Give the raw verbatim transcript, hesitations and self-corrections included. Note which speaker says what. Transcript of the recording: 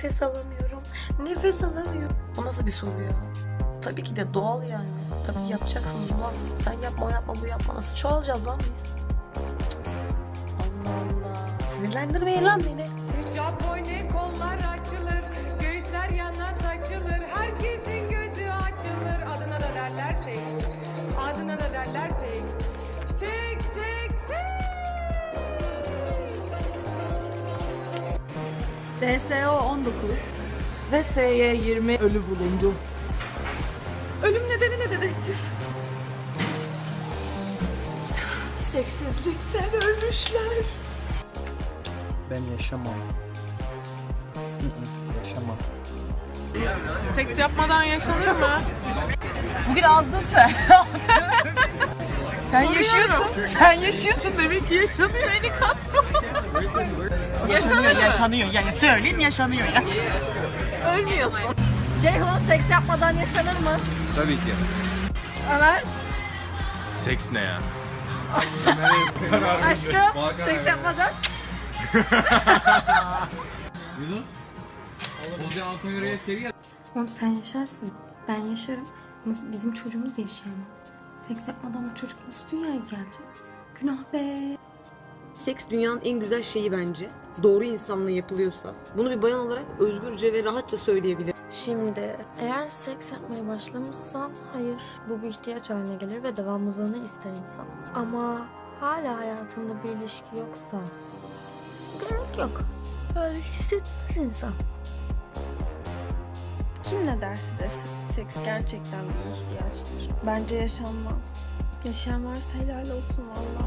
Speaker 1: Nefes alamıyorum. Nefes alamıyorum. O nasıl bir soru ya? Tabii ki de doğal yani. Tabii ki yapacaksınız ulan. Sen yapma, o yapma, bu yapma. Nasıl çoğalacağız lan biz? Allah Allah. Sinirlendirmeyin lan beni.
Speaker 2: Japone kollar açılır, göğüsler yana saçılır, herkesin gözü açılır. Adına da derler sek, adına da derler sek. Sek, sek, sek.
Speaker 3: D S O on dokuz
Speaker 2: Ve S Y yirmi ölü bulundu.
Speaker 3: Ölüm nedeni ne dedektif? Seksizlikten ölmüşler.
Speaker 4: Ben yaşamam. Hı hı, yaşamam.
Speaker 2: Seks yapmadan yaşanır mı?
Speaker 5: Bugün azdın sen. Sen yaşıyorsun. Sen yaşıyorsun demek ki yaşanıyor.
Speaker 2: Beni katma.
Speaker 5: Yaşanıyor, yaşanıyor. Yani söyleyeyim yaşanıyor ya.
Speaker 2: Ölmüyorsun.
Speaker 3: Ceyhun seks yapmadan yaşanır mı?
Speaker 6: Tabii ki.
Speaker 3: Ömer,
Speaker 6: Seks ne ya?
Speaker 3: aşkım seks yapmadan.
Speaker 7: Oğlum sen yaşarsın. Ben yaşarım. Ama bizim çocuğumuz yaşayamaz. Seks yapmadan bu çocuk nasıl dünyaya gelecek? Günah be.
Speaker 1: Seks dünyanın en güzel şeyi bence. Doğru insanla yapılıyorsa. Bunu bir bayan olarak özgürce ve rahatça söyleyebilirim.
Speaker 8: Şimdi eğer seks yapmaya başlamışsan hayır, bu bir ihtiyaç haline gelir ve devamlılığını ister insan. Ama hala hayatında bir ilişki yoksa gerek yok. Böyle hissetmez insan.
Speaker 9: Kim ne derse desin, seks gerçekten bir ihtiyaçtır. Bence yaşanmaz. Yaşayan varsa helal olsun valla.